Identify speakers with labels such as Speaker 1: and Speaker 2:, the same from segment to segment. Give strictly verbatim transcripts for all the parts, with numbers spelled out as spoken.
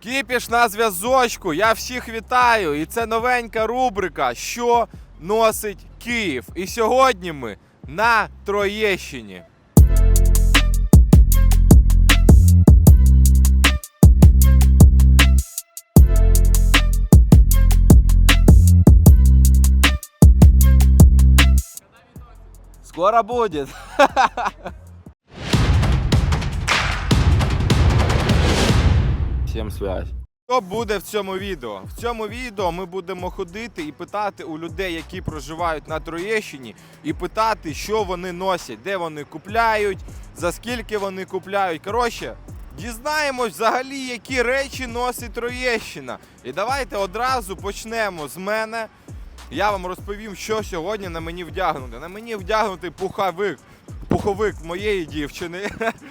Speaker 1: Кіпіш на зв'язочку, я всіх вітаю, і це новенька рубрика «Що носить Київ?». І сьогодні ми на Троєщині. Скоро буде. Всім связь. Що буде в цьому відео? В цьому відео ми будемо ходити і питати у людей, які проживають на Троєщині, і питати, що вони носять, де вони купляють, за скільки вони купляють. Коротше, дізнаємось взагалі, які речі носить Троєщина. І давайте одразу почнемо з мене. Я вам розповім, що сьогодні на мені вдягнути. На мені вдягнутий пуховик, пуховик моєї дівчини.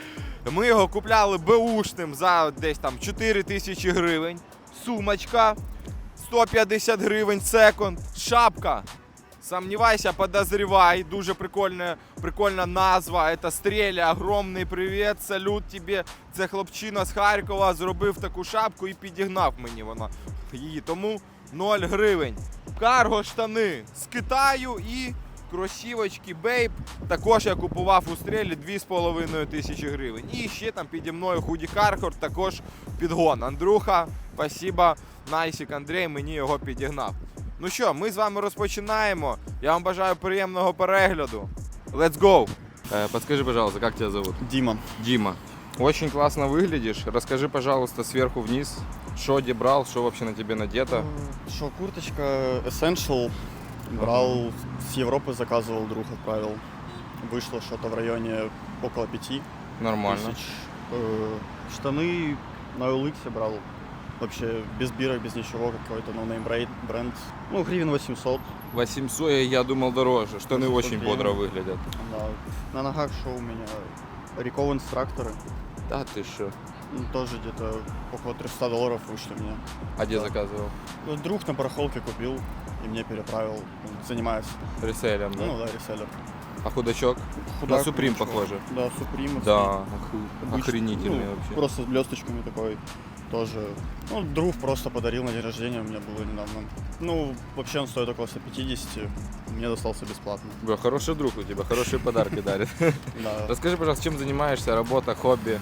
Speaker 1: Ми його купляли беушним за десь там чотири тисячі гривень. Сумочка сто п'ятдесят гривень секонд. Шапка. Сомневайся, подозревай. Дуже прикольна, прикольна назва. Це Стреля. Огромний привіт, салют тобі. Це хлопчина з Харкова зробив таку шапку і підігнав мені вона її. Тому нуль гривень. Карго штани з Китаю і кросівочки Bape. Також я купував у Стрелі дві з половиною тисячі гривень. І ще там піді мною худі Carhartt, також підгон. Андрюха, спасибо, Найсік Андрій мені його підігнав. Ну що, ми з вами розпочинаємо. Я вам бажаю приємного перегляду. Let's go! Э, подскажи, пожалуйста, как тебя зовут?
Speaker 2: Дима.
Speaker 1: Дима. Очень классно выглядишь. Расскажи, пожалуйста, сверху вниз, что где брал, что вообще на тебе надето.
Speaker 2: Что, курточка Essential. Брал, ага. С Европы заказывал, друг отправил. Вышло что-то в районе около пяти
Speaker 1: Нормально.
Speaker 2: тысяч. Э, штаны на о эл икс брал. Вообще без бирок, без ничего, какой-то ноунейм бренд. Ну, гривен восемьсот.
Speaker 1: восемьсот, я думал дороже. Штаны очень
Speaker 2: гривен.
Speaker 1: бодро выглядят.
Speaker 2: Да. На ногах что у меня? Риков инструкторы.
Speaker 1: Да ты что?
Speaker 2: Ну, тоже где-то около триста долларов вышли мне.
Speaker 1: А где
Speaker 2: Да.
Speaker 1: заказывал?
Speaker 2: Ну, друг на барахолке купил и мне переправил. Он занимается.
Speaker 1: Реселем, да?
Speaker 2: Ну да, реселлер.
Speaker 1: А худачок?
Speaker 2: Худак,
Speaker 1: на Supreme
Speaker 2: ничего.
Speaker 1: похоже.
Speaker 2: Да, Supreme.
Speaker 1: Да,
Speaker 2: Обычный,
Speaker 1: охренительный
Speaker 2: ну,
Speaker 1: вообще.
Speaker 2: Просто с блесточками такой тоже. Ну, друг просто подарил на день рождения, у меня было недавно. Ну, вообще он стоит около ста пятидесяти, мне достался бесплатно.
Speaker 1: Бля, хороший друг у тебя, хорошие подарки дарит.
Speaker 2: Да.
Speaker 1: Расскажи, пожалуйста, чем занимаешься, работа, хобби?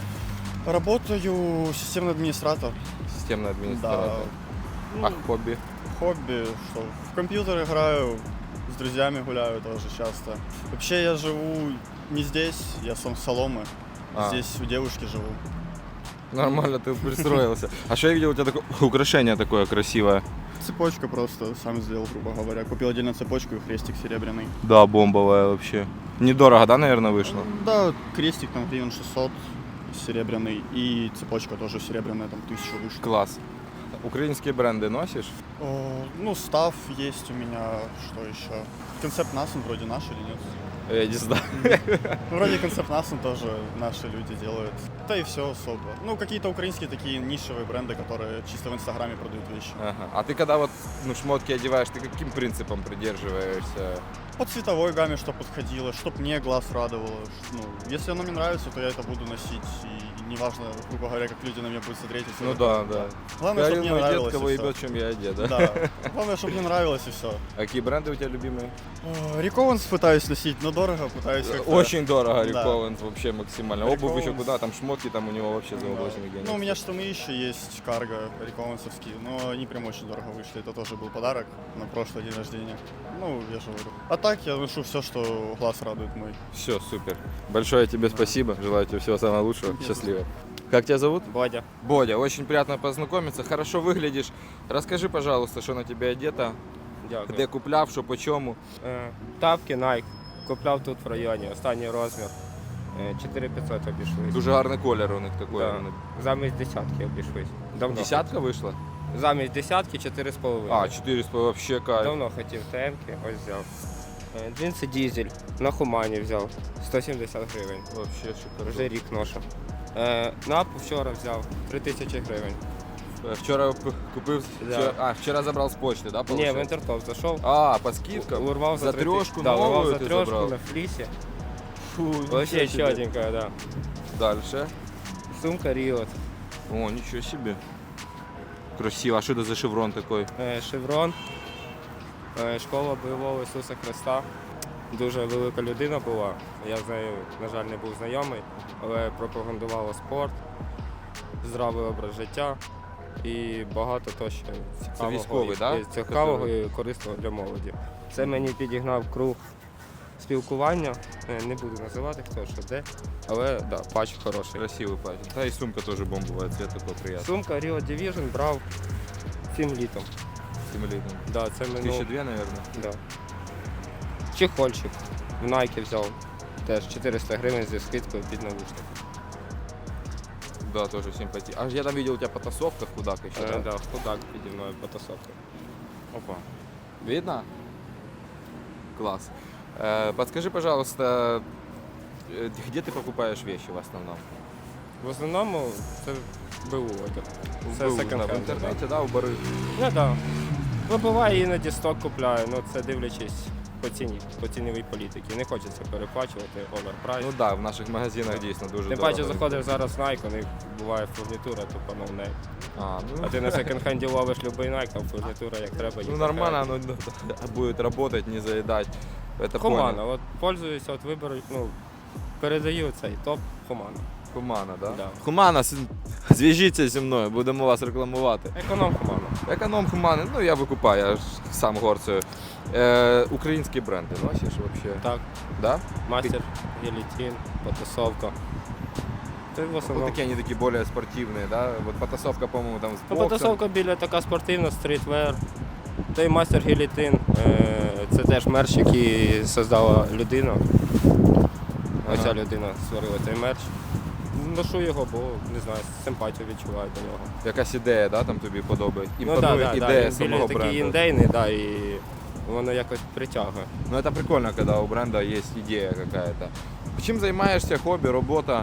Speaker 2: Работаю системный администратор.
Speaker 1: Системный администратор.
Speaker 2: Да.
Speaker 1: А
Speaker 2: Ну,
Speaker 1: хобби?
Speaker 2: хобби, что, в компьютер играю, с друзьями гуляю тоже часто. Вообще я живу не здесь, я сам с Соломы.
Speaker 1: А.
Speaker 2: Здесь у девушки живу.
Speaker 1: Нормально, ты пристроился. А что я видел, у тебя такое украшение такое красивое?
Speaker 2: Цепочка просто сам сделал, грубо говоря. Купил отдельно цепочку и крестик серебряный.
Speaker 1: Да, бомбовая вообще. Недорого, да, наверное, вышло?
Speaker 2: Да, крестик там гривен шестьсот серебряный. И цепочка тоже серебряная, там тысячу вышла.
Speaker 1: Класс. Украинские бренды носишь?
Speaker 2: О, ну, став есть у меня, что еще? Концепт Насен вроде наш или нет?
Speaker 1: Я не знаю.
Speaker 2: Ну, вроде концепт Насен тоже наши люди делают. Да и все особо. Ну, какие-то украинские такие нишевые бренды, которые чисто в Инстаграме продают вещи.
Speaker 1: Ага. А ты когда вот ну, шмотки одеваешь, ты каким принципом придерживаешься?
Speaker 2: По цветовой гамме, что подходило, чтоб мне глаз радовало. Ну, если оно мне нравится, то я это буду носить. И неважно, грубо говоря, как люди на меня будут смотреть. Если
Speaker 1: Ну
Speaker 2: это-
Speaker 1: да, да.
Speaker 2: Главное, чтобы мне
Speaker 1: Мой дед
Speaker 2: нравилось.
Speaker 1: кого
Speaker 2: и всё.
Speaker 1: ебет, чем я одет, да?
Speaker 2: Да. Главное, чтобы мне нравилось и все.
Speaker 1: А какие бренды у тебя любимые?
Speaker 2: Рикованс пытаюсь носить, но дорого пытаюсь как-то.
Speaker 1: Очень дорого,
Speaker 2: Да.
Speaker 1: Rick Owens вообще максимально.
Speaker 2: Rick
Speaker 1: Обувь еще
Speaker 2: Owens.
Speaker 1: куда, там шмотки там у него вообще за
Speaker 2: Да.
Speaker 1: восемь гигантов.
Speaker 2: Ну, у меня штаны еще есть, карго, риковансовские, но они прям очень дорого вышли. Это тоже был подарок на прошлый день рождения. Ну, я же говорю. А так я ношу все, что глаз радует мой.
Speaker 1: Все, супер. Большое тебе спасибо. Желаю тебе всего самого лучшего. Счастливо. Как тебя зовут?
Speaker 3: Бодя.
Speaker 1: Бодя, очень приятно познакомиться. Хорошо выглядишь. Расскажи, пожалуйста, что на тебе одето,
Speaker 3: Дякую.
Speaker 1: де купляв, що по чому.
Speaker 3: Е, Тапки Nike. Купляв тут в районі, останній розмір. Е, чотири п'ятсот обійшлись.
Speaker 1: Дуже гарний колір у них такий.
Speaker 3: Да. Замість десятки обійшлись. Давно
Speaker 1: Десятка вийшла?
Speaker 3: хотів. Замість десятки чотири з половиною.
Speaker 1: А, чотири вообще кайф.
Speaker 3: Давно хотів ТМ-ки, ось взяв. Е, Джинси дізель. На Хумані взяв. сто сімдесят гривень.
Speaker 1: Вообще шикарно.
Speaker 3: Вже рік ношу. Е, Напу вчора взяв. три тисячі гривень.
Speaker 1: Вчора п- купив,
Speaker 3: Да.
Speaker 1: вчора, а, вчора забрав з почти, да,
Speaker 3: Ні, в
Speaker 1: получается?
Speaker 3: Інтертоп зайшов.
Speaker 1: А, по скидкам?
Speaker 3: Урвав за,
Speaker 1: За
Speaker 3: три ти-
Speaker 1: трьошку
Speaker 3: да, урвав
Speaker 1: новую
Speaker 3: за
Speaker 1: ти
Speaker 3: трьошку
Speaker 1: забрав?
Speaker 3: на флісі.
Speaker 1: Фу,
Speaker 3: Вообще
Speaker 1: ничего себе.
Speaker 3: чётенькая, да.
Speaker 1: Дальше.
Speaker 3: Сумка Риот.
Speaker 1: О, ничего себе. Красиво. А що це за шеврон такий?
Speaker 3: Е, Шеврон, е, школа бойового Ісуса Христа. Дуже велика людина була. Я з нею, на жаль, не був знайомий, але пропагандувала спорт, здравий образ життя і багато то ще цікавого,
Speaker 1: військовий,
Speaker 3: і-
Speaker 1: да?
Speaker 3: і цікавого і корисного для молоді. Це мені підігнав круг спілкування. Е, Не буду називати хто що де, але да, патч хороший.
Speaker 1: Красивий патч. Та і сумка теж бомбова, цвет такий приємний.
Speaker 3: Сумка Rio Division брав цим літом.
Speaker 1: Симулітом.
Speaker 3: Да, це минуло.
Speaker 1: Тисячі дві, мабуть.
Speaker 3: Да. Чехольчик в Nike взяв. Теж чотириста гривень зі скидкою під навушник.
Speaker 1: Да, тоже симпатия. А я там видел у тебя потасовка в худак еще,
Speaker 3: Е,
Speaker 1: да?
Speaker 3: да, худак піді мною потасовка.
Speaker 1: Опа. Видно? Класс. Э, подскажи, пожалуйста, э, где ты покупаешь вещи в основном?
Speaker 3: В основному це БУ одяг. Це
Speaker 1: В,
Speaker 3: секонд-хенд,
Speaker 1: в интернете, да, у бары?
Speaker 3: Ну так. Ну, буває іноді сток купляю, ну це дивлячись по ціні, по ціновій політиці. Не хочеться переплачувати оверпрайс.
Speaker 1: Ну да, в наших магазинах дійсно дуже
Speaker 3: Тим
Speaker 1: дорого.
Speaker 3: паче заходиш зараз в Nike, у них буває фурнітура, тупо no name.
Speaker 1: А, ну,
Speaker 3: А ти на секонд-хенді ловиш любий Nike, там фурнітура як треба.
Speaker 1: ну
Speaker 3: їх
Speaker 1: нормально, оно будет работать, не заедать. Это
Speaker 3: Хумана,
Speaker 1: понял.
Speaker 3: от пользуюся, от виберу, ну, передаю цей топ Хумана.
Speaker 1: Хумана, да?
Speaker 3: Да.
Speaker 1: Хумана, с- зв'яжіться зі мною, будемо вас рекламувати.
Speaker 3: Економ Хумана.
Speaker 1: Економ Хумани, ну я викупаю, я ж сам горцею. Е, українські бренди носиш взагалі?
Speaker 3: Так,
Speaker 1: Да?
Speaker 3: мастер, гелітін, потасовка. Це в
Speaker 1: Вот
Speaker 3: основному.
Speaker 1: такие они такие более спортивные, да? Вот потасовка, по-моему, там с
Speaker 3: Ну,
Speaker 1: боксом.
Speaker 3: потасовка біля така спортивна, стрітвер. Той мастер гелітин, е, це теж мерч, який создала людина. Оця
Speaker 1: Ага.
Speaker 3: людина створила цей мерч. Ношу його, бо не знаю, симпатію відчуваю до нього.
Speaker 1: Якась ідея, да, там тобі подобається?
Speaker 3: Ну,
Speaker 1: Імпонує
Speaker 3: да, да,
Speaker 1: ідея
Speaker 3: да.
Speaker 1: самого
Speaker 3: Біля такий
Speaker 1: бренду.
Speaker 3: індейний, да, і воно якось притягує.
Speaker 1: Ну это прикольно, когда у бренда есть идея какая-то. Чим займаєшся, хобі, робота?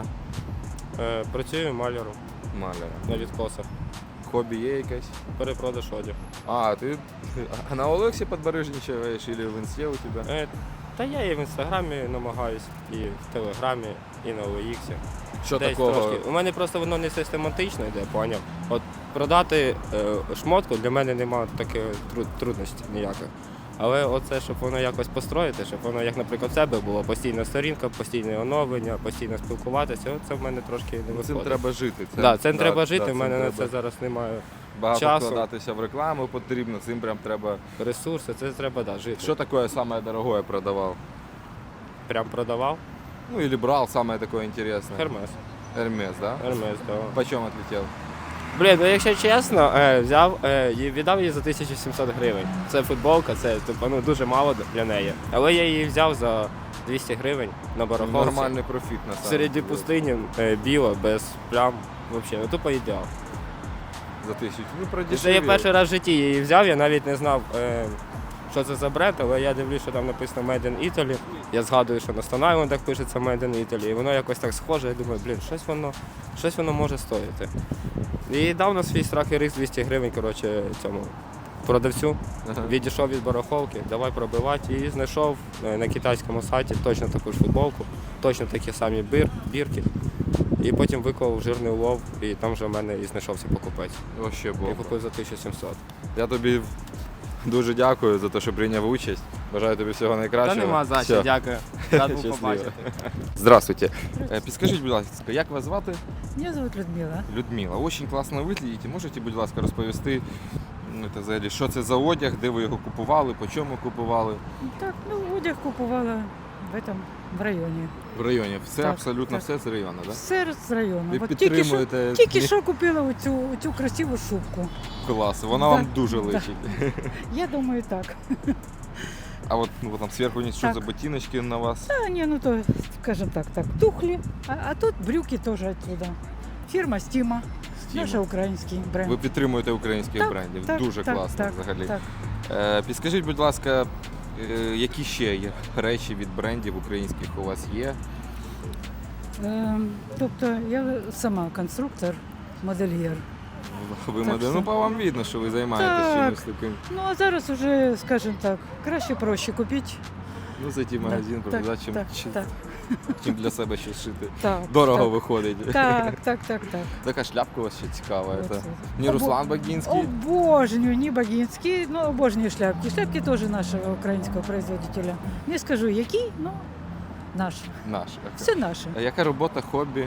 Speaker 3: Е, працюю маляром
Speaker 1: Маляра.
Speaker 3: на відкосах.
Speaker 1: Хобі є якесь?
Speaker 3: Перепродаж одяг.
Speaker 1: А, ти а на Олексі подбережничаєш, или в інсті у тебе?
Speaker 3: Е, Та я і в інстаграмі намагаюсь, і в телеграмі, і на о ікс.
Speaker 1: Що
Speaker 3: Десь
Speaker 1: такого?
Speaker 3: трошки. У мене просто воно не систематично йде, поняв. От продати е, шмотку для мене немає таких труд, трудностей ніяких. Але оце, щоб воно якось построїти, щоб воно, як, наприклад, в себе було постійна сторінка, постійне оновлення, постійно спілкуватися, це в мене трошки не виходить.
Speaker 1: Цим треба жити.
Speaker 3: Так, да, цим
Speaker 1: да,
Speaker 3: треба
Speaker 1: да,
Speaker 3: жити, в
Speaker 1: цим
Speaker 3: мене на
Speaker 1: треба.
Speaker 3: це зараз немає
Speaker 1: Багато
Speaker 3: часу.
Speaker 1: вкладатися в рекламу потрібно, цим прям треба.
Speaker 3: ресурсу, це треба да, жити.
Speaker 1: Що таке самое дорогое продавав?
Speaker 3: Прям продавав?
Speaker 1: Ну или брал самое такое интересное?
Speaker 3: Хермес.
Speaker 1: Hermes, да?
Speaker 3: Хермес, так.
Speaker 1: Почем отлетел?
Speaker 3: Блін, ну якщо чесно, е, взяв е, і віддав її за тисячу сімсот гривень. Це футболка, це типу, ну, дуже мало для неї. Але я її взяв за двісті гривень на барахолці.
Speaker 1: Нормальний профіт на самом
Speaker 3: Середі
Speaker 1: деле.
Speaker 3: пустині, е, біла, без плям. Взагалі, ну тупо ідеал.
Speaker 1: За тисячу. Ну,
Speaker 3: І
Speaker 1: продешевил.
Speaker 3: Це я перший раз в житті її взяв, я навіть не знав, е, що це за бренд, але я дивлюсь, що там написано Made in Italy. Я згадую, що на Stone Island пишеться Made in Italy. І воно якось так схоже, я думаю, блін, щось воно, щось воно може стоїти. І дав на свій страх і риск двісті гривень, коротше, цьому продавцю.
Speaker 1: Ага.
Speaker 3: Відійшов від барахолки, давай пробивати. І знайшов е, на китайському сайті точно таку ж футболку, точно такі самі бір, бірки. І потім виклав жирний улов, і там вже в мене і знайшовся покупець.
Speaker 1: Вообще
Speaker 3: Я
Speaker 1: бомба.
Speaker 3: купив за тисячу сімсот.
Speaker 1: Я тобі дуже дякую за те, що прийняв участь. Бажаю тобі всього найкращого. Все.
Speaker 3: дякую. Рад був
Speaker 1: Щасливо.
Speaker 3: побачити.
Speaker 1: Здравствуйте. Е, Підскажіть, будь ласка, як вас звати?
Speaker 4: Меня зовут Людмила.
Speaker 1: Людмила. Очень класно виглядите. Можете, будь ласка, розповісти, ну, це взагалі, що це за одяг, де ви його купували, по чому купували?
Speaker 4: Так, ну, одяг купувала в этом в районі.
Speaker 1: В районі. Все,
Speaker 4: Так,
Speaker 1: абсолютно
Speaker 4: так.
Speaker 1: все з району, так? Да?
Speaker 4: Все з району.
Speaker 1: Ви
Speaker 4: От тільки що,
Speaker 1: підтримуєте
Speaker 4: тільки що купила оцю, оцю красиву шубку.
Speaker 1: клас. Вона
Speaker 4: Да,
Speaker 1: вам дуже
Speaker 4: да.
Speaker 1: личить.
Speaker 4: Я думаю, так.
Speaker 1: А от ну, там зверху ні, що
Speaker 4: Так.
Speaker 1: за ботиночки на вас?
Speaker 4: А, не, ну то, скажем так, так, тухли. А, а тут брюки теж отсюда. Фірма Стіма,
Speaker 1: Стіма.
Speaker 4: наш український бренд.
Speaker 1: Ви підтримуєте українських
Speaker 4: Так,
Speaker 1: брендів.
Speaker 4: так,
Speaker 1: Дуже
Speaker 4: так,
Speaker 1: класно
Speaker 4: так,
Speaker 1: взагалі.
Speaker 4: Так.
Speaker 1: Е, підскажіть, будь ласка, е, які ще є речі від брендів українських у вас є?
Speaker 4: Ем, тобто я сама конструктор, модельєр.
Speaker 1: Ви
Speaker 4: Так
Speaker 1: модель,
Speaker 4: що-
Speaker 1: ну по вам видно, що ви займаєтесь
Speaker 4: Так.
Speaker 1: чимось таким.
Speaker 4: Ну а зараз уже, скажем так, краще проще купити
Speaker 1: Ну, зайти в магазин,
Speaker 4: так,
Speaker 1: показати, чим,
Speaker 4: так,
Speaker 1: чим,
Speaker 4: так,
Speaker 1: чим для себе щось шити.
Speaker 4: так,
Speaker 1: Дорого
Speaker 4: так,
Speaker 1: виходить.
Speaker 4: Так, так, так, так.
Speaker 1: Така шляпка у вас ще цікава.
Speaker 4: Вот
Speaker 1: Это
Speaker 4: это.
Speaker 1: не
Speaker 4: Обо-
Speaker 1: Руслан Багінський?
Speaker 4: Обожнюю, не Багинский, но обожнюю шляпки. Шляпки тоже нашего украинского производителя. Не скажу, який, но наш.
Speaker 1: Наш.
Speaker 4: Все наше.
Speaker 1: А яка робота, хобі?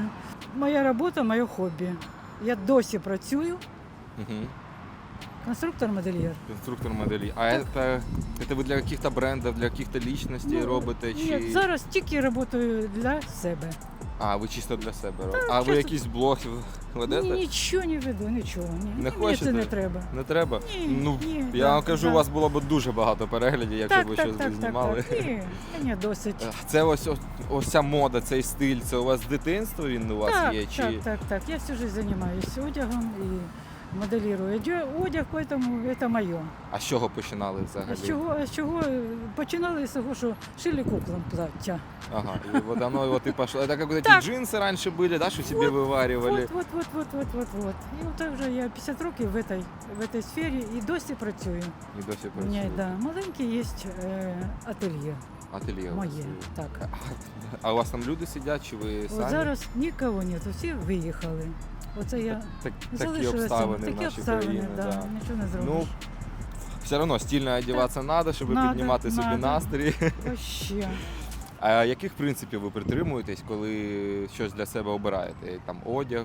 Speaker 4: Моя робота, моє хобі. Я досі працюю,
Speaker 1: Угу.
Speaker 4: конструктор-модельєр.
Speaker 1: Конструктор моделі. А это, это ви для яких-то брендів, для яких-то лічностей
Speaker 4: Ну,
Speaker 1: робите? Чи...
Speaker 4: Ні, зараз тільки працюю для себе.
Speaker 1: А, ви чисто для себе робите. А ви
Speaker 4: чисто.
Speaker 1: якийсь блог ведете?
Speaker 4: Нічого не веду, нічого. Ні.
Speaker 1: Не
Speaker 4: Мені
Speaker 1: хочете?
Speaker 4: це не треба.
Speaker 1: Не треба?
Speaker 4: Ні,
Speaker 1: ну,
Speaker 4: ні,
Speaker 1: я
Speaker 4: да,
Speaker 1: вам кажу,
Speaker 4: да.
Speaker 1: у вас було б дуже багато переглядів, якщо б ви щось
Speaker 4: так,
Speaker 1: знімали.
Speaker 4: так, так. Ні, мені досить.
Speaker 1: Це ось, ось, ось ця мода, цей стиль, це у вас з дитинства він у вас
Speaker 4: так,
Speaker 1: є? Чи...
Speaker 4: так, так, так. Я всю жизнь занимаюсь одягом и моделирую Одя- одяг, поэтому это моє.
Speaker 1: А з чого починали взагалі?
Speaker 4: А з чого, а з чого починали з того, що шили куклам плаття.
Speaker 1: Ага, и вот оно вот и пошло. Это как вот эти
Speaker 4: Так.
Speaker 1: джинсы раньше были, да, что себе вываривали?
Speaker 4: Вот, вот, вот, вот, вот, вот, вот. І от так вже я п'ятдесят років в этой, в этой сфері і досі працюю.
Speaker 1: И до сих
Speaker 4: У
Speaker 1: пор.
Speaker 4: мене, да, маленький є е, ательє
Speaker 1: Ателье. у вас
Speaker 4: моє.
Speaker 1: є.
Speaker 4: Так.
Speaker 1: А у вас там люди сидять, чи ви самі?
Speaker 4: От зараз нікого нет, всі виїхали. Оце я
Speaker 1: Так, такі
Speaker 4: залишилася.
Speaker 1: обставини в
Speaker 4: Такі
Speaker 1: нашій
Speaker 4: обставини,
Speaker 1: країні.
Speaker 4: да,
Speaker 1: Да.
Speaker 4: нічого не зробиш.
Speaker 1: Ну, все одно стильно одягатися треба, щоб
Speaker 4: Надо,
Speaker 1: піднімати собі
Speaker 4: надо.
Speaker 1: настрій.
Speaker 4: Вообще.
Speaker 1: А яких принципів ви притримуєтесь, коли щось для себе обираєте? Там одяг,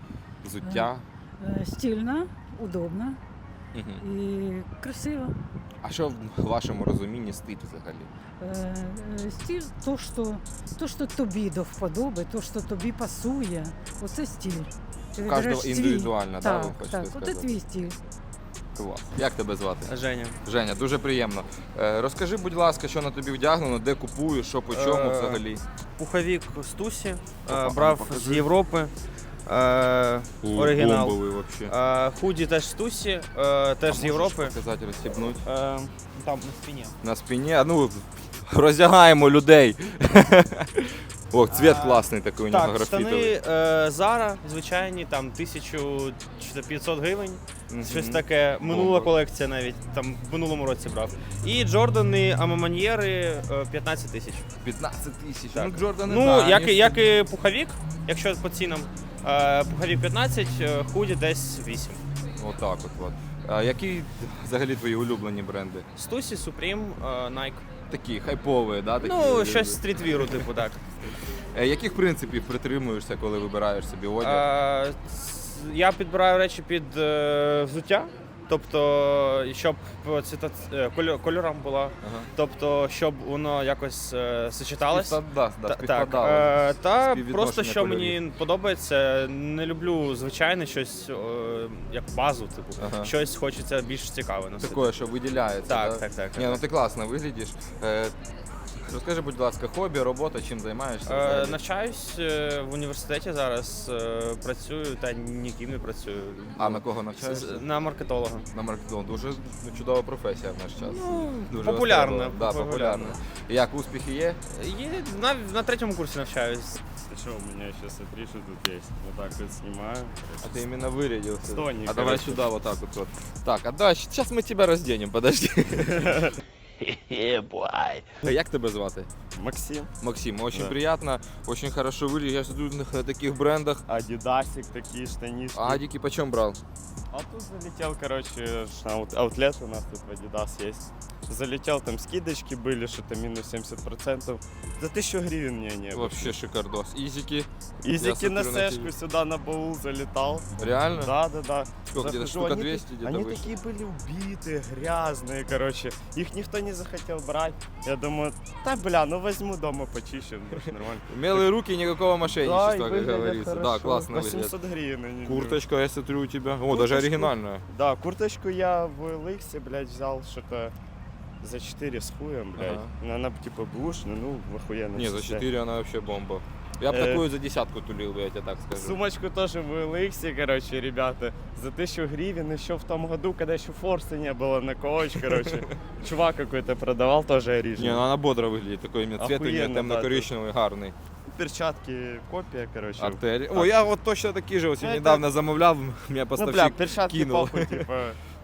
Speaker 1: взуття?
Speaker 4: Е, Стильно, удобно
Speaker 1: Мгм.
Speaker 4: і красиво.
Speaker 1: А що в вашому розумінні стиль взагалі?
Speaker 4: Е, е, Стиль то, що, то, що тобі до вподоби, то, що тобі пасує, оце стиль. Ти
Speaker 1: У
Speaker 4: вибираєш
Speaker 1: кожного
Speaker 4: свій.
Speaker 1: індивідуально, да, ви
Speaker 4: Так,
Speaker 1: хочете
Speaker 4: так,
Speaker 1: сказати?
Speaker 4: оце твій стиль.
Speaker 1: Клас. Як тебе звати?
Speaker 5: Женя.
Speaker 1: Женя, дуже приємно. Е, Розкажи, будь ласка, що на тобі вдягнено, де купуєш, що по чому
Speaker 5: Е,
Speaker 1: взагалі?
Speaker 5: Пуховик Стусі, е,
Speaker 1: Опа,
Speaker 5: брав
Speaker 1: покажи.
Speaker 5: з Європи. Е, оригінал.
Speaker 1: Бомбовий взагалі.
Speaker 5: Е, худі теж Стусі, е, теж з Європи.
Speaker 1: Показати, розстібнути.
Speaker 5: Е, там на спині.
Speaker 1: На спині. А ну, роздягаємо людей. О, цвіт класний такий у нього
Speaker 5: Так,
Speaker 1: графітовий.
Speaker 5: штани е, Zara, звичайні, там тисяча п'ятсот гривень.
Speaker 1: Мгм.
Speaker 5: Щось таке. Минула
Speaker 1: Бомба.
Speaker 5: колекція навіть, там в минулому році брав. І Джордани Амаманьєри е, п'ятнадцять тисяч.
Speaker 1: п'ятнадцять тисяч.
Speaker 5: Так.
Speaker 1: Ну, Джордан не
Speaker 5: Ну,
Speaker 1: знаю,
Speaker 5: як, і-
Speaker 1: ні,
Speaker 5: як і пуховік, якщо по цінам. Е, пуховік п'ятнадцять, е, худі десь вісім.
Speaker 1: Отак от. от. А які взагалі твої улюблені бренди?
Speaker 5: Стусі, Supreme, е, Nike.
Speaker 1: Такі хайпові, да? Такі,
Speaker 5: Ну, щось стрітвіру, типу, так.
Speaker 1: Е, Яких принципів притримуєшся, коли вибираєш собі одяг?
Speaker 5: Е, ц- я підбираю речі під е, взуття, тобто, щоб по цвіта- е, кольо- кольорам була,
Speaker 1: Ага.
Speaker 5: тобто, щоб воно якось е, сочеталось.
Speaker 1: Співпад- да, да,
Speaker 5: Та- так,
Speaker 1: співпадало.
Speaker 5: е, та
Speaker 1: Співвідношення
Speaker 5: просто що
Speaker 1: кольорів.
Speaker 5: мені подобається, не люблю звичайне щось, е, як базу, типу,
Speaker 1: Ага.
Speaker 5: щось хочеться більш цікаве носити.
Speaker 1: Таке, що виділяється.
Speaker 5: Так,
Speaker 1: да?
Speaker 5: так, так, так,
Speaker 1: Ні, ну
Speaker 5: так.
Speaker 1: ти класно виглядиш. Е, Розкажи, будь ласка, хобі, робота, чим займаєшся?
Speaker 5: Е,
Speaker 1: взагалі?
Speaker 5: навчаюсь е, в університеті зараз, е, працюю та ніким не працюю.
Speaker 1: А на кого
Speaker 5: З-
Speaker 1: навчаєшся?
Speaker 5: з- На маркетолога.
Speaker 1: На маркетинг. Дуже ну, чудова професія в наш час.
Speaker 5: Ну,
Speaker 1: Дуже
Speaker 5: популярна,
Speaker 1: востребована. Да,
Speaker 5: популярна.
Speaker 1: популярна. Як успіхи є?
Speaker 5: Є, на, на третьому курсі навчаюсь.
Speaker 6: Ты что, у меня еще смотри, что тут есть. Вот так вот снимаю.
Speaker 1: А ты именно вырядился.
Speaker 6: Стоник,
Speaker 1: А давай
Speaker 6: короче.
Speaker 1: сюда вот так вот. вот. Так, а да, сейчас мы тебя разденем, подожди. Як тебе звати?
Speaker 6: Максим.
Speaker 1: Максим, очень
Speaker 6: Да.
Speaker 1: приятно, очень хорошо выглядишь. Я смотрю на таких брендах.
Speaker 6: Адидасик, такие штанишки.
Speaker 1: Адики почем брал?
Speaker 6: А тут залетел, короче, ж аут- аутлет у нас тут в Adidas есть. Залетел, там скидочки были, что-то минус семьдесят процентов. За тысячу гривен мне не было.
Speaker 1: Вообще шикардос. Изики.
Speaker 6: Изики на
Speaker 1: смотрю на
Speaker 6: сэшку
Speaker 1: тебя.
Speaker 6: сюда на баул залетал.
Speaker 1: Реально?
Speaker 6: Да, да, да.
Speaker 1: Сколько, где-то
Speaker 6: Захожу,
Speaker 1: штука
Speaker 6: они
Speaker 1: двести
Speaker 6: та-
Speaker 1: где-то
Speaker 6: Они
Speaker 1: вышло.
Speaker 6: такие были убитые, грязные, короче. Их никто не захотел брать. Я думаю, да, бля, ну возьму дома почищу, больше нормально.
Speaker 1: Умелые руки, никакого мошенничества,
Speaker 6: и
Speaker 1: как
Speaker 6: выглядят
Speaker 1: говорится. Да,
Speaker 6: хорошо.
Speaker 1: классно выглядит.
Speaker 6: восемьсот гривен они.
Speaker 1: Курточка, я смотрю, у тебя. О,
Speaker 6: Курточку.
Speaker 1: даже оригинальная.
Speaker 6: Да, курточку я в Эликсе, блядь, взял что-то за четыре с хуем, блядь.
Speaker 1: Ага.
Speaker 6: Ну, она типа бушная, ну, охуенно.
Speaker 1: Не, за
Speaker 6: состояние.
Speaker 1: четыре она вообще бомба. Я бы
Speaker 6: Э,
Speaker 1: такую за десятку тулил бы, я тебе так скажу.
Speaker 6: Сумочку тоже в Эликсе, короче, ребята, за тысячу гривен еще в том году, когда еще форса не было на коуч, короче. Чувак какой-то продавал, тоже
Speaker 1: Не,
Speaker 6: оригинал.
Speaker 1: ну она бодро выглядит, такой именно цвет у нее
Speaker 6: Охуенно,
Speaker 1: темно-коричневый, гарный.
Speaker 6: Перчатки, копия, короче.
Speaker 1: Артель. О, я вот точно такие же вот
Speaker 6: Ну, это-
Speaker 1: недавно замовлял, меня
Speaker 6: Ну, бля,
Speaker 1: поставщик
Speaker 6: перчатки
Speaker 1: кинул.
Speaker 6: похуй, типа,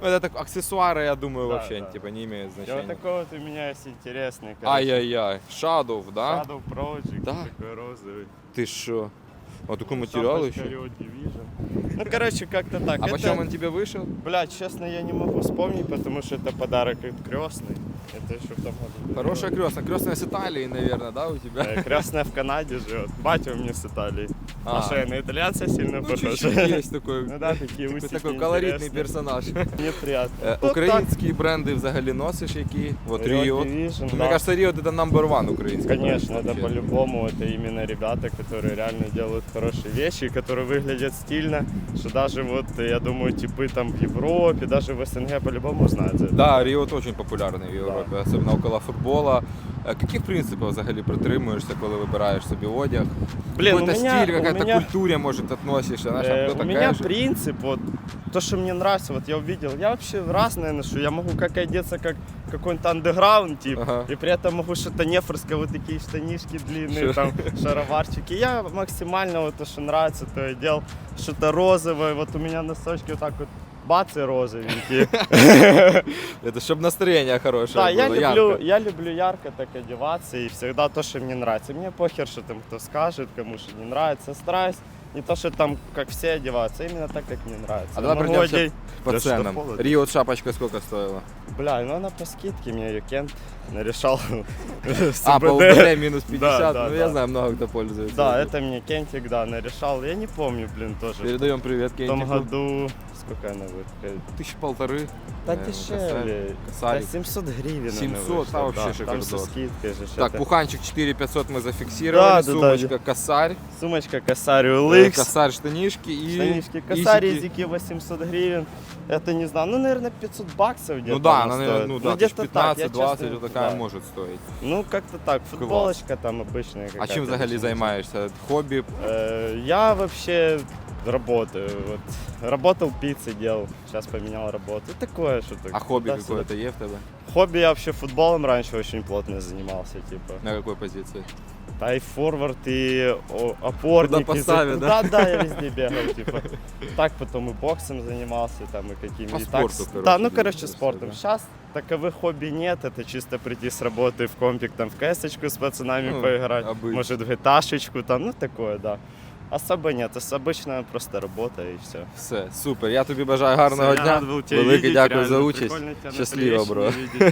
Speaker 1: Ну, это так, аксессуары, я думаю,
Speaker 6: Да,
Speaker 1: вообще
Speaker 6: да.
Speaker 1: типа не имеют
Speaker 6: И
Speaker 1: значения.
Speaker 6: вот такой вот у меня есть интересный, короче,
Speaker 1: Ай-яй-яй, Shadow, да?
Speaker 6: Shadow Project,
Speaker 1: Да.
Speaker 6: такой розовый.
Speaker 1: Ты шо? А такой материал
Speaker 6: Шапочка
Speaker 1: еще?
Speaker 6: Rio Division. Ну, короче, как-то так.
Speaker 1: А
Speaker 6: Это,
Speaker 1: почем он тебе вышел?
Speaker 6: блядь, честно, я не могу вспомнить, потому что это подарок от крестной. Это еще в том году.
Speaker 1: Хорошая крестная. Крестная с Италии, наверное, да, у тебя?
Speaker 6: Э, Крестная в Канаде живет. Батя у меня с Италии.
Speaker 1: А.
Speaker 6: А что, я на итальянца сильно
Speaker 1: Ну,
Speaker 6: похож?
Speaker 1: чуть-чуть есть такой,
Speaker 6: Ну да, такие
Speaker 1: такой,
Speaker 6: усики
Speaker 1: такой колоритний
Speaker 6: интересные.
Speaker 1: персонаж.
Speaker 6: Мне приятно.
Speaker 1: Е,
Speaker 6: Ну,
Speaker 1: Українські бренди взагалі носиш які? Вот
Speaker 6: Rio
Speaker 1: Riot.
Speaker 6: Division,
Speaker 1: Мне
Speaker 6: да.
Speaker 1: кажется, Riot это number one украинский.
Speaker 6: Конечно,
Speaker 1: бренд
Speaker 6: это
Speaker 1: вообще.
Speaker 6: по-любому, это именно ребята, которые реально делают хорошие вещи, которые выглядят стильно, что даже вот, я думаю, типы там в Европе, даже в СНГ по-любому знают за это.
Speaker 1: Да, Riot очень популярний в Європі, особливо около футбола. Е, Яких принципів взагалі притримуєшся, коли вибираєш собі одяг?
Speaker 6: Блин, у
Speaker 1: Какой-то
Speaker 6: меня,
Speaker 1: стиль,
Speaker 6: у
Speaker 1: какая-то
Speaker 6: меня,
Speaker 1: культуре, может, относишься, знаешь,
Speaker 6: э,
Speaker 1: а
Speaker 6: у
Speaker 1: кто-то
Speaker 6: меня
Speaker 1: такая же.
Speaker 6: принцип, вот, то, что мне нравится, вот я увидел, я вообще разное ношу, я могу как одеться, как какой-нибудь андеграунд, тип,
Speaker 1: Ага.
Speaker 6: и при этом могу что-то нефорское, вот такие штанишки длинные,
Speaker 1: Шо?
Speaker 6: там, шароварчики. Я максимально вот то, что нравится, то и делал, что-то розовое, вот у меня носочки вот так вот, бац, и розовенькие.
Speaker 1: Это чтобы настроение хорошее
Speaker 6: Да,
Speaker 1: было,
Speaker 6: я люблю,
Speaker 1: ярко.
Speaker 6: я люблю ярко так одеваться и всегда то, что мне нравится. Мне похер, что там кто скажет, кому что не нравится. Стараюсь не то, что там, как все одеваются, а именно так, как мне нравится.
Speaker 1: А давай
Speaker 6: Могу
Speaker 1: пройдемся
Speaker 6: одеть-
Speaker 1: по
Speaker 6: Да что,
Speaker 1: ценам.
Speaker 6: холодно?
Speaker 1: Riot шапочка сколько стоила?
Speaker 6: Бля, ну она по скидке, мне ее Кент нарешал. с
Speaker 1: А, по
Speaker 6: УБД.
Speaker 1: УБД минус
Speaker 6: Да,
Speaker 1: пятьдесят,
Speaker 6: да,
Speaker 1: ну я
Speaker 6: да.
Speaker 1: знаю, много кто пользуется.
Speaker 6: Да, это мне Кентик, да, нарешал. Я не помню, блин, тоже.
Speaker 1: Передаем привет
Speaker 6: В том
Speaker 1: Кентику.
Speaker 6: году, сколько она будет?
Speaker 1: Тысячи полторы.
Speaker 6: Да
Speaker 1: наверное,
Speaker 6: дешевле. Да
Speaker 1: Косарик.
Speaker 6: семьсот гривен она
Speaker 1: семьсот,
Speaker 6: вышла,
Speaker 1: а вообще
Speaker 6: да. Там
Speaker 1: шикардос.
Speaker 6: со скидкой же.
Speaker 1: Так,
Speaker 6: что-то.
Speaker 1: пуханчик четыре пятьсот мы зафиксировали,
Speaker 6: Да, да, да.
Speaker 1: сумочка косарь,
Speaker 6: Сумочка Косарь
Speaker 1: э,
Speaker 6: Улыкс.
Speaker 1: косарь штанишки и
Speaker 6: Штанишки Косарь,
Speaker 1: исики.
Speaker 6: языки восемьсот гривен. Это не знаю, ну, наверное, пятьсот баксов где-то.
Speaker 1: Ну да,
Speaker 6: она
Speaker 1: она,
Speaker 6: стоит.
Speaker 1: ну да,
Speaker 6: где-то так, я
Speaker 1: пятнадцать-двадцать
Speaker 6: честно,
Speaker 1: вот такая
Speaker 6: да.
Speaker 1: может стоить.
Speaker 6: Ну, как-то так. Футболочка там обычная
Speaker 1: А
Speaker 6: какая-то.
Speaker 1: чим взагалі
Speaker 6: очень.
Speaker 1: займаєшся? Хобі?
Speaker 6: Э, Я вообще работаю. Вот. Работал пиццей, делал. Сейчас поменял работу. И такое что-то.
Speaker 1: А хобі
Speaker 6: туда-сюда.
Speaker 1: какое-то є в тебе?
Speaker 6: Хобби я вообще футболом раньше очень плотно занимался, типа.
Speaker 1: На какой позиции?
Speaker 6: Да и форвард, и о, опорник.
Speaker 1: Куда
Speaker 6: и
Speaker 1: поставить,
Speaker 6: за-
Speaker 1: да?
Speaker 6: Да, да, я везде бегал, типа. Так потом и боксом занимался, там, и какими
Speaker 1: По
Speaker 6: и так.
Speaker 1: спорту, короче,
Speaker 6: Да, ну,
Speaker 1: двигаешься,
Speaker 6: короче, спортом.
Speaker 1: да.
Speaker 6: Сейчас таковых хобби нет, это чисто прийти с работы в компик, там, в кэсочку с пацанами
Speaker 1: Ну,
Speaker 6: поиграть,
Speaker 1: обычно.
Speaker 6: может, в гиташечку, там, ну, такое, да. Особо нет, ос- обычно просто работа и все.
Speaker 1: Все, супер. Я тобі бажаю гарного дня. Велике дякую за участь. Щасливо, бро.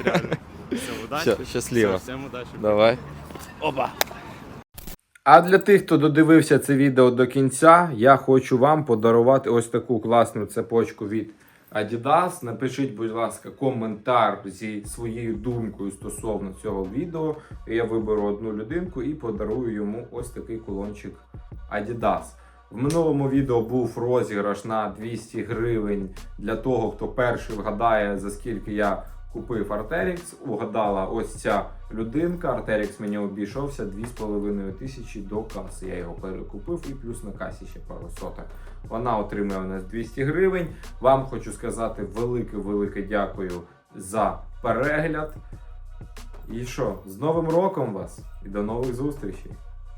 Speaker 6: Все, удачи.
Speaker 1: Все, щасливо.
Speaker 6: Всё, всем удачи.
Speaker 1: Давай. Опа. А для тих, хто додивився це відео до кінця, я хочу вам подарувати ось таку класну цепочку від Adidas. Напишіть, будь ласка, коментар зі своєю думкою стосовно цього відео. І я виберу одну людинку і подарую йому ось такий кулончик Adidas. В минулому відео був розіграш на двісті гривень для того, хто перший вгадає, за скільки я купив Arc'teryx. Угадала ось ця людинка. Arc'teryx мені обійшовся дві з половиною тисячі до каси. Я його перекупив і плюс на касі ще пару соток. Вона отримує у нас двісті гривень. Вам хочу сказати велике-велике дякую за перегляд. І що, з Новим роком вас і до нових зустрічей!